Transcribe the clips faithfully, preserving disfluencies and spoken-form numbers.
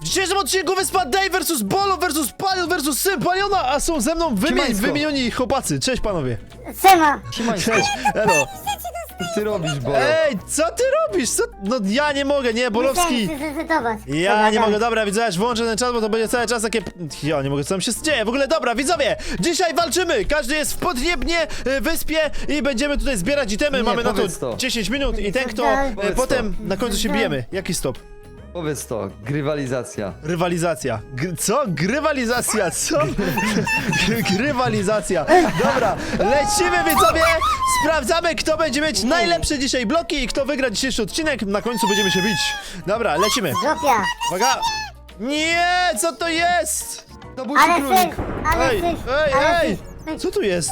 W dzisiejszym odcinku wyspa Dave versus Bolo versus Palion versus Syn Paliona, a są ze mną wymi Siemanko. wymienioni chłopacy. Cześć panowie. Siema! Cześć, elo. Co ty robisz, Bolo? Ej, co ty robisz? Co? No ja nie mogę, nie, Bolowski. Musiałem zresetować. Ja nie mogę, dobra, widzowie, aż włączę ten czas, bo to będzie cały czas takie... Ja nie mogę, co tam się dzieje. W ogóle, dobra, widzowie, dzisiaj walczymy. Każdy jest w podniebnie y, wyspie i będziemy tutaj zbierać itemy. Nie, Mamy na to, powiedz to. dziesięć minut i ten, kto Powiedz y, to. potem na końcu się bijemy. Jaki stop? Powiedz to, grywalizacja. Rywalizacja. G co? Grywalizacja, co? G grywalizacja. Dobra, lecimy widzowie. Sprawdzamy, kto będzie mieć najlepsze dzisiaj bloki i kto wygra dzisiejszy odcinek. Na końcu będziemy się bić. Dobra, lecimy. Zopia! Uwaga. Nie, co to jest? To był ci Ale królik. syf! Ale Ej, syf! ej, ale ej. syf. Co tu jest?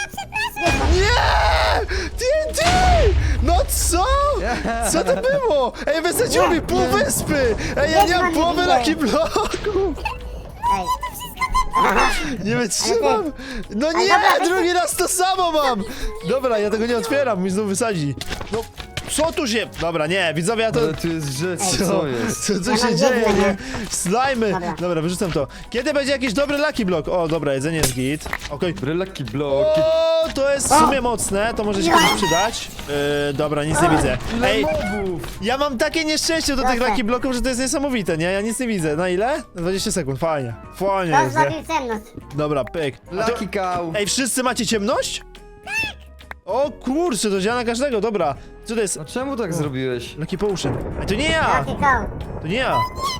Nie! T N T! No co? Co to było? Ej, wysadziło mi pół wyspy! Ej, ja nie mam połowy laki bloków! Ej, Nie wytrzymam! No nie! Drugi raz to samo mam! Dobra, ja tego nie otwieram, mi znów wysadzi. No, co tu się... Dobra, nie, widzowie, ja to... Ale tu jest rzecz, Co, co jest? co, co Ja się mam dzieje, jedno, nie? nie? Slajmy! Dobra. Dobra, wyrzucam to. Kiedy będzie jakiś dobry lucky block? O, dobra, jedzenie jest git. Okej. Brylaki bloki. O, to jest w sumie mocne, to może się komuś przydać. Yy, dobra, nic nie widzę. Ej, mobów! ja mam takie nieszczęście do tych Proszę. lucky blocków, że to jest niesamowite, nie? Ja nic nie widzę. Na ile? Na dwadzieścia sekund, fajnie. Fajnie to jest, nie? zrobił ciemność. Dobra, pyk. A to... Lucky cow. Ej, wszyscy macie ciemność? O kurczę, to działa na każdego, dobra. Co to jest? No czemu tak zrobiłeś? Lucky potion. Ej, to nie ja! Jaki koł? To nie ja!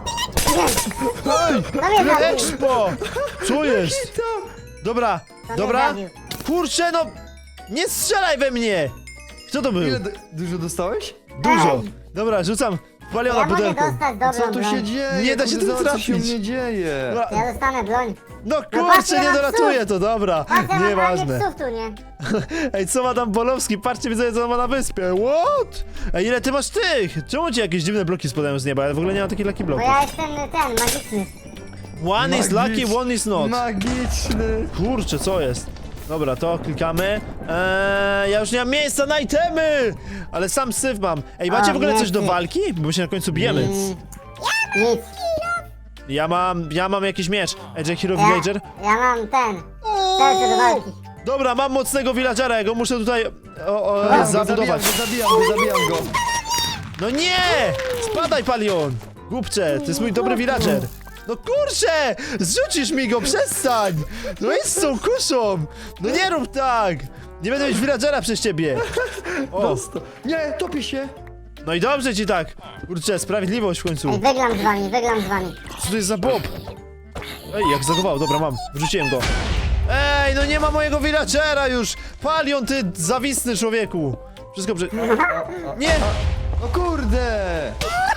To mnie zabił! Expo! Co jest? Dobra, To mnie dobra. zabił. Kurczę, no! Nie strzelaj we mnie! Kto to był? Ile d- dużo dostałeś? Dużo. Dobra, rzucam paliona Ja mogę pudełko. dostać dobrą Co tu się broń. dzieje? Nie da się Kurde, tu zobacz, co się trafić. mnie dzieje. Dobra. Ja dostanę broń. No patrzcie, kurczę, nie mam doratuję psów. to, dobra. Patrz, ja mam prawie Nieważne. psów tu, nie? Ej, co ma tam Bolowski? Patrzcie, widzę, co on ma na wyspie. What? Ej, ile ty masz tych? Czemu ci jakieś dziwne bloki spadają z nieba? Ja w ogóle nie mam takich lucky Bo bloków. ja jestem ten, magiczny. One is Magicz- lucky, one is not. Magiczny. Kurczę, co jest? Dobra, to klikamy. Eee, ja już nie mam miejsca na itemy! Ale sam syf mam. Ej, macie A, w ogóle nie, coś do ty. walki? Bo się na końcu bijemy. Mm, Nic. Ja mam, ja mam jakiś miecz. Edge Hero Ja, Villager. ja mam ten. Serce do walki. Dobra, mam mocnego villagera, ja go muszę tutaj o, o, Zabijam go, zabudować. zabijam go, zabijam go. No nie! Spadaj, Palion! Głupcze, to jest mój dobry villager. No kurczę! Zrzucisz mi go, przestań! No jest z tą kuszą! No nie rób tak! Nie będę mieć villagera przez ciebie! O, Dosta- Nie, topi się. no i dobrze ci tak! Kurczę, sprawiedliwość w Ej, końcu. wygram z wami, wygram z wami. Co to jest za bob? Ej, jak zagował, dobra, mam. Wrzuciłem go. Ej, no nie ma mojego villagera już! Palion, ty zawisny człowieku! Wszystko przy... Nie! No kurde.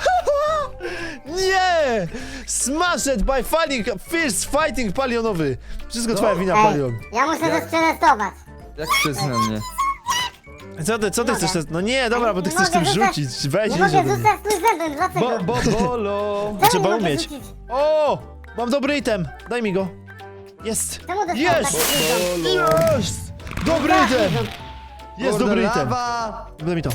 Nie! Smashed by fighting, first fighting palionowy. Wszystko twoja wina, Ej, palion. ja muszę to przetestować. Jak przez na mnie? Co ty, co ty mogę. chcesz? No nie, dobra, bo ty Nie chcesz tym mogę rzucać- rzucić. Weź Nie rzuć mogę ode mnie. rzucać trójzębem, dlaczego? Bo, bo, bolo. Czemu Trzeba nie mogę umieć. rzucić? O! Mam dobry item. Daj mi go. Jest. Czemu dostałem Jest! taki item? Jest! Dobry item! Jest Kurde, dobry item. lawa. Daj mi to.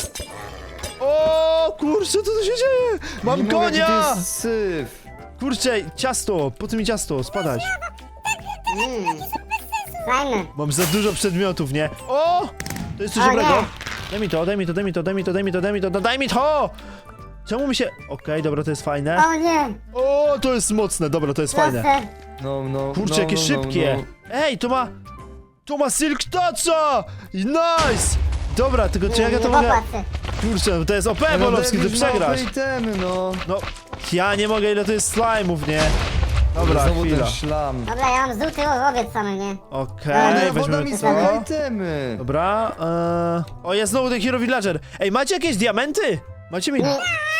O, kurczę, co tu się dzieje? Mam Nie mogę, jaki konia! to jest syf. Kurczę, ciasto, po co mi ciasto? Spadać. Mm. Fajne. Mam za dużo przedmiotów, nie? O! To jest coś O dobrego. nie. Daj mi to, daj mi to, daj mi to, daj mi to, daj mi to, daj mi to, daj mi to! Czemu mi się... Okej, dobra, to jest fajne. O nie! O, to jest mocne, dobra, to jest fajne. Proszę. No, no, Kurczę, no, jakie no, szybkie. No, Ej, to ma... To ma Silk Toucha! Nice! Dobra, tylko czy jak ja to Nie mogę... popatrzę. Kurczę, to jest O P, no. Bolowski, ty Jakieś małe przegrasz. itemy, no. No, ja nie mogę, ile to jest slime'ów, nie? Dobra, Znowu chwila. ten szlam. Dobra, ja mam żółty łowiec same, nie? Okej, Ale woda weźmiemy mi to. smaga itemy. Dobra, eee... O, jest znowu ten Hero Villager. Ej, macie jakieś diamenty? Macie mi... Nie.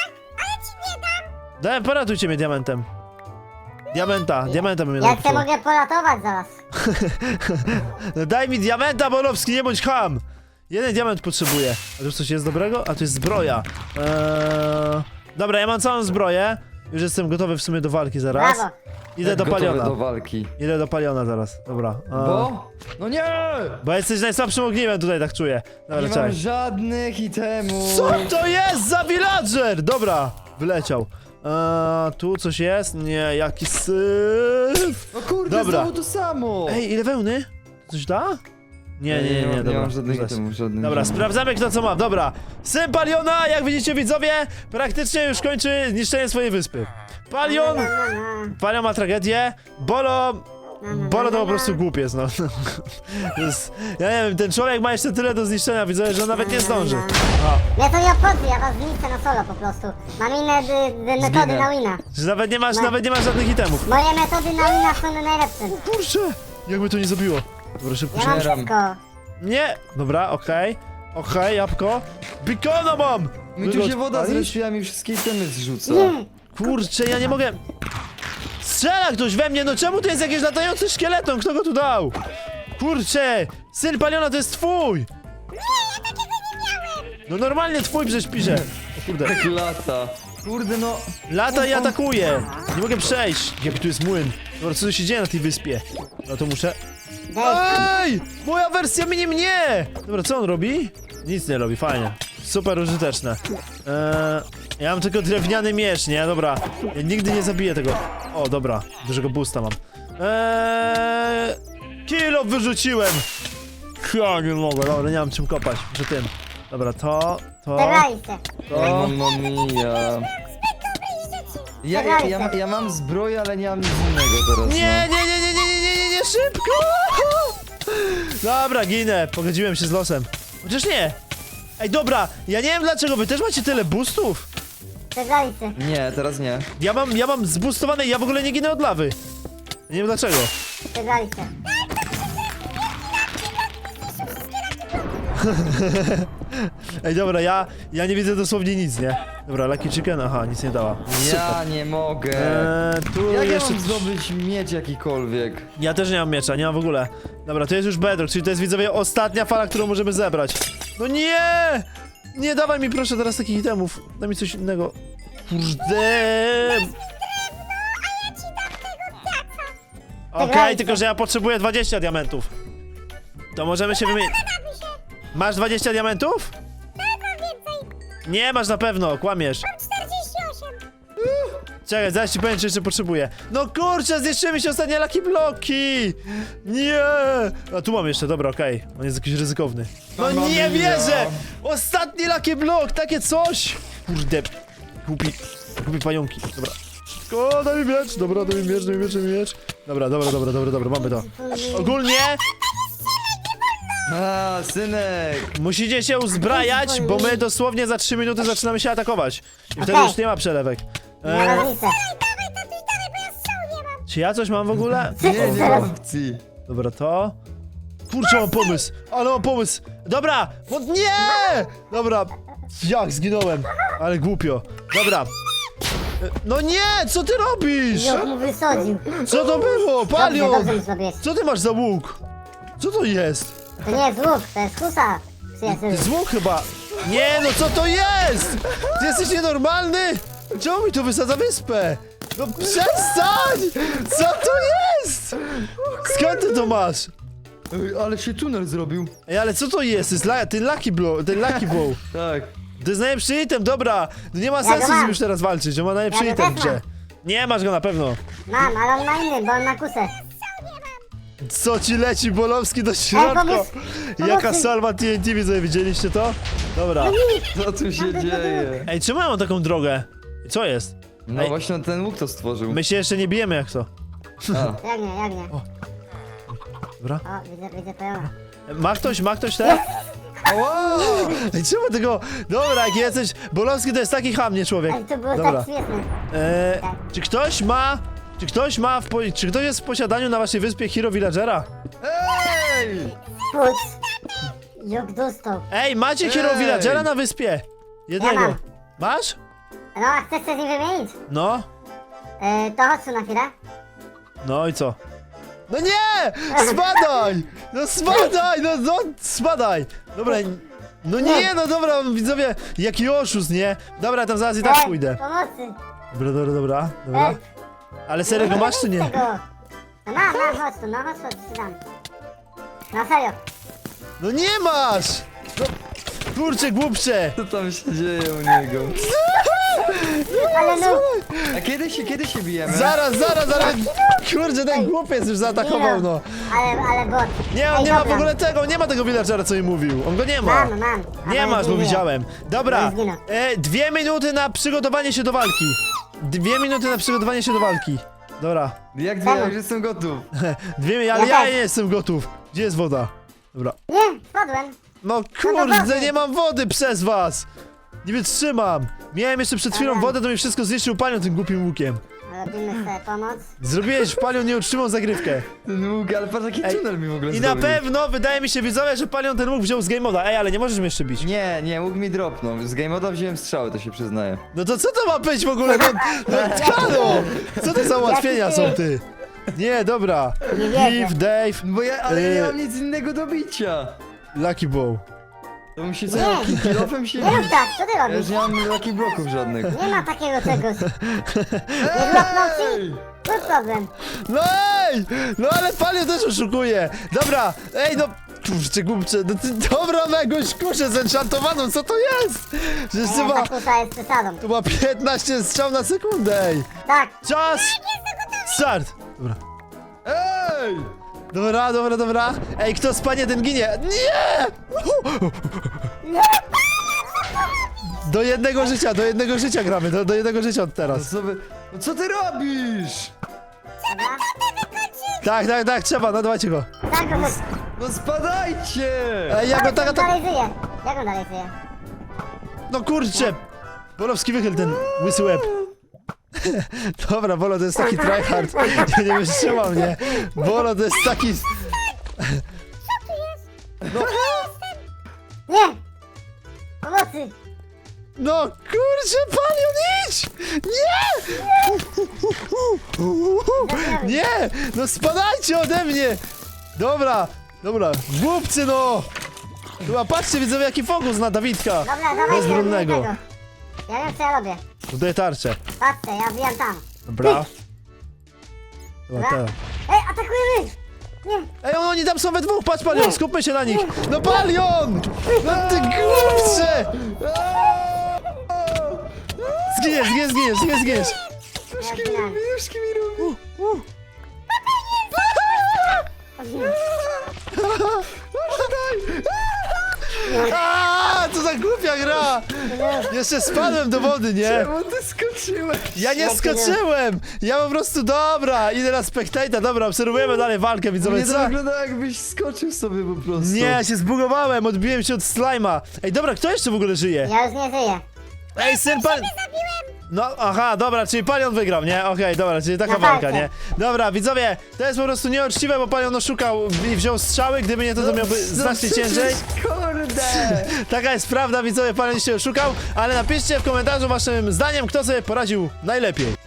Daj, poratujcie mnie diamentem. Diamenta, diamenta bym Ja jednak chcę chciał. mogę polatować zaraz. No daj mi diamenta, Bolowski, nie bądź ham! Jeden diament potrzebuję. A tu coś jest dobrego? A tu jest zbroja. Eee... Dobra, ja mam całą zbroję. Już jestem gotowy w sumie do walki zaraz. Brawo. Idę do Gotowe paliona. do walki. Idę do paliona zaraz, dobra. Eee... Bo? No nie! Bo jesteś najsłabszym ogniwem tutaj, tak czuję. Dobra, Nie mam czekaj. żadnych itemów. Co to jest za villager? Dobra, wyleciał. Eee, tu coś jest? Nie, jaki syf. No kurde, Dobra. znowu to samo! Ej, ile wełny? Coś da? Nie, nie, nie, nie, mam- dobra. nie mam żadnych zaraz. itemów, żadnych. Dobra, żadnych. sprawdzamy kto co ma. Dobra, syn Paliona, jak widzicie widzowie, praktycznie już kończy niszczenie swojej wyspy. Palion, No, no, Palion ma tragedię, Bolo, no, no, Bolo to no, po prostu głupiec, no. To jest, ja nie wiem, ten człowiek ma jeszcze tyle do zniszczenia, widzę, że nawet nie zdąży. O, Nie, to nie obchodzi, ja was zniszczę na solo po prostu. Mam inne dy, dy, metody Zginę. na wina. że nawet nie masz, nawet nie masz żadnych itemów. Moje metody na wina są najlepsze. Kurczę, jakby to nie zabiło. Dobra, szybko, Ja szybko. mam Zbieram. wszystko. Nie, dobra, okej. Okej, jabłko. Bikono mam! Mi tu Wygod- się woda palisz? zrespiła, mi wszystkie itemy zrzuca. Nie, Kurczę, ja nie mogę... Strzela ktoś we mnie, no czemu tu jest jakiś latający szkieleton? Kto go tu dał? Kurczę, syn Paliona to jest twój! No normalnie twój przecież pisze. O kurde. Tak lata. Kurde no. Lata i atakuje. Nie mogę przejść. Jaki tu jest młyn. Dobra, co tu się dzieje na tej wyspie? No to muszę... Ej! Moja wersja minie mnie! Dobra, co on robi? Nic nie robi, fajnie. Super użyteczne. Eee, ja mam tylko drewniany miecz, nie? Dobra. Ja nigdy nie zabiję tego. O, dobra. Dużego boosta mam. Eee, kilo wyrzuciłem! Ja nie mogę, dobra, nie mam czym kopać. Muszę tym. Dobra, to, to, Zagrajcie. to. Mamma mia. Ja, ja, ja, ja mam zbroję, ale nie mam nic innego teraz. Nie, nie, nie, nie, nie, nie, nie, nie, nie, szybko! Dobra, ginę, pogodziłem się z losem. Chociaż nie. Ej, dobra, ja nie wiem dlaczego, wy też macie tyle boostów? Zagrajcie. No. Nie, teraz nie. Ja mam, ja mam zboostowane i ja w ogóle nie ginę od lawy. Nie wiem dlaczego. Zagrajcie. Ej, dobra, ja, ja nie widzę dosłownie nic, nie? Dobra, Lucky Chicken, aha, nic nie dała. Ja nie mogę. Eee, tu Jak ja jeszcze... mam zdobyć miecz jakikolwiek? Ja też nie mam miecza, nie mam w ogóle. Dobra, to jest już bedrock, czyli to jest, widzowie, ostatnia fala, którą możemy zebrać. No nie! Nie dawaj mi proszę teraz takich itemów. Daj mi coś innego. Kurde! Okej, Zagrajcie. tylko że ja potrzebuję dwadzieścia diamentów. To możemy się wymienić. Masz dwadzieścia diamentów? Nie masz na pewno, kłamiesz. Czekaj, zaraz ci powiem, czy jeszcze potrzebuję. No kurczę, zniszczyły mi się ostatnie lucky bloki! Nie! A tu mam jeszcze, dobra, okej. On jest jakiś ryzykowny. No Mamma nie mia. wierzę! Ostatni lucky block, takie coś! Kurde, głupi, głupi pająki. Dobra. O, daj mi miecz, dobra, daj mi miecz, daj mi miecz, daj mi miecz. Dobra, dobra, dobra, dobra, dobra, mamy to. Ogólnie A, synek! musicie się uzbrajać, bo my dosłownie za trzy minuty zaczynamy się atakować. I wtedy Okej. już nie ma przelewek. Na Eee, rozlicę. czy ja coś mam w ogóle? Nie, nie ma opcji. Dobra, to... Kurczę, mam pomysł! Ale mam pomysł! Dobra! No nie! Dobra, jak zginąłem? Ale głupio. Dobra. E, No nie! Co ty robisz? Już mu wysadził. Co to było? Dobrze, Palion! dobrze mi zrobiłeś. Co ty masz za łuk? Co to jest? To nie jest łuk, to jest husa. To jest Przyjacielu. łuk chyba. Nie, no co to jest? Ty jesteś nienormalny? Czemu mi to wysadza wyspę? No przestań! Co to jest? Skąd ty to masz? Ej, ale się tunel zrobił. Ej, ale co to jest? To jest la ten Lucky Blow, ten Lucky Bow. Tak. To jest najlepszy item, dobra. No nie ma Ja sensu go z nim mam. już teraz walczyć, on ma najlepszy Ja go item w też grze. mam. Nie masz go na pewno. Mam, ale on ma inny, bo on ma kusę. Co ci leci Bolowski do środka? pomóż- Jaka pomocy. salwa T N T, widzę, widzieliście to? Dobra. Co tu się dzieje? Ej, czemu ja mam taką drogę? Co jest? No Ej. właśnie ten łuk to stworzył. My się jeszcze nie bijemy jak to. A. Jak nie, jak nie. Dobra. O, widzę, widzę pojona. Ma ktoś, ma ktoś te? Ała! Ej, czemu tego... Dobra, jak jesteś... Bolowski to jest taki chamnie człowiek. Ale to było Dobra. tak śmieszne. Eee, czy ktoś ma... Czy ktoś ma w po... Czy ktoś jest w posiadaniu na waszej wyspie Hero Villagera? Ej! Puc. Jak dostał. Ej, macie Hero Ej! Villagera na wyspie? Jednego. Ja mam. Masz? No, a chcesz się z nim wymienić? No. E, to chodź tu na chwilę. No i co? No nie! Spadaj! No spadaj! No, no spadaj! Dobra, no nie, no dobra, widzowie, jaki oszust, nie? Dobra, tam zaraz i tak Ej, pójdę. pomocy. Dobra, dobra, dobra, dobra. Ej, Ale serio go masz czy nie? Tego. No mam, mam, chodź tu, no chodź, chodź, ci dam. No serio. No nie masz! No, kurczę, głupcze! Co tam się dzieje u niego? Ale no, A kiedy się, kiedy się bijemy? Zaraz, zaraz, zaraz! Kurde, ten głupiec już zaatakował, no. ale, ale bot. Nie, on Ej, nie ma w dobra. ogóle tego, nie ma tego villagera, co mi mówił. On go nie ma. Mam, mam. Nie Ale masz, bo nie. widziałem. Dobra, Nie zginął. e, dwie minuty na przygotowanie się do walki. Dwie minuty na przygotowanie się do walki. Dobra, Jak dwie, ja już jestem gotów. dwie minuty, ale Ja ja też. nie jestem gotów. Gdzie jest woda? Dobra. Nie, spadłem. No do kurde, wody. nie mam wody przez was! Nie wytrzymam! Miałem jeszcze przed chwilą Dobra. wodę, to mi wszystko zniszczył panią tym głupim łukiem. Robimy sobie pomoc. Zrobiłeś w panią nieuczciwą zagrywkę. Ten łuk, ale patrz jaki Ej, tunel mi w ogóle I na zrobił. pewno wydaje mi się widzowie, że panią ten łuk wziął z game moda. Ej, ale nie możesz mnie jeszcze bić. Nie, nie, łuk mi dropnął. Z game moda wziąłem strzały, to się przyznaję. No to co to ma być w ogóle? No, no halo! Co to za ułatwienia są ty? Nie, dobra. Nie wierzę. Eve, Dave, No bo ja, ale ja Yy. nie mam nic innego do bicia. Lucky Bow. To bym się Nie. co, kilofem się Nie rób bić. tak, co ty Ja robisz? już nie mam lucky bloków żadnych. Nie ma takiego czegoś. Nie bloknął ci? To problem. No ej! No ale panią też oszukuje. Dobra, ej no... Kurczę, głupcze, no ty, dobra, na jakąś kuszę zenchantowaną, co to jest? Przecież to Nie, ma, ta kusa jest przesadą. to ma piętnaście strzał na sekundę, ej. Tak. Czas! Start! Dobra. Ej! Dobra, dobra, dobra. Ej, kto spanie, ten ginie. Nie! Do jednego życia, do jednego życia gramy, do, do jednego życia od No teraz. co, wy, no co ty robisz? Dobra. Tak, tak, tak, trzeba, no dawajcie go. Tak, go chodź. No spadajcie! Ej, ja go tak, on tak... dalej żyje. Jak on dalej żyje? No kurczę! Bolowski wychyl ten łysy łeb. Dobra, Bolo to jest taki tryhard. Nie, nie wytrzymał mnie. Bolo to jest taki... Nie! Pomocy! No kurczę, panią, idź! Nie! Nie! No spadajcie ode mnie! Dobra, dobra, głupcy no! Chyba patrzcie, widzowie, jaki fokus na Dawidka! Dobra, dawaj Bezbronnego. tego. Ja wiem co ja robię. Tutaj tarczę. Patrzcie, ja wbijam tam. Dobra. Dobra, teraz. Ej, atakujemy! Nie! Ej, oni tam są we dwóch, patrz Palion, skupmy się na nich! No Palion! No ty głupcze! Zginiesz, zginiesz, zginiesz, zginiesz, zginiesz! Ja zginąłem. Już mi robi. Aaaa, co za głupia gra! Jeszcze spadłem do wody, nie? Czemu ty skoczyłeś? Ja nie skoczyłem! Ja po prostu, dobra, idę na spectator, dobra, obserwujemy dalej walkę, widzowie, Mnie to co? wygląda jakbyś skoczył sobie po prostu. Nie, ja się zbugowałem, odbiłem się od slajma. Ej, dobra, kto jeszcze w ogóle żyje? Ja już nie żyję. Ej, syn pan... No, aha, dobra, czyli Palion wygrał, nie? Okej, dobra, czyli taka Na walka, walkę. nie? Dobra, widzowie, to jest po prostu nieuczciwe, bo Palion oszukał i wziął strzały, gdyby nie to, to miałby No znacznie przecież, ciężej. Kurde! Taka jest prawda, widzowie, Palion się oszukał, ale napiszcie w komentarzu waszym zdaniem, kto sobie poradził najlepiej.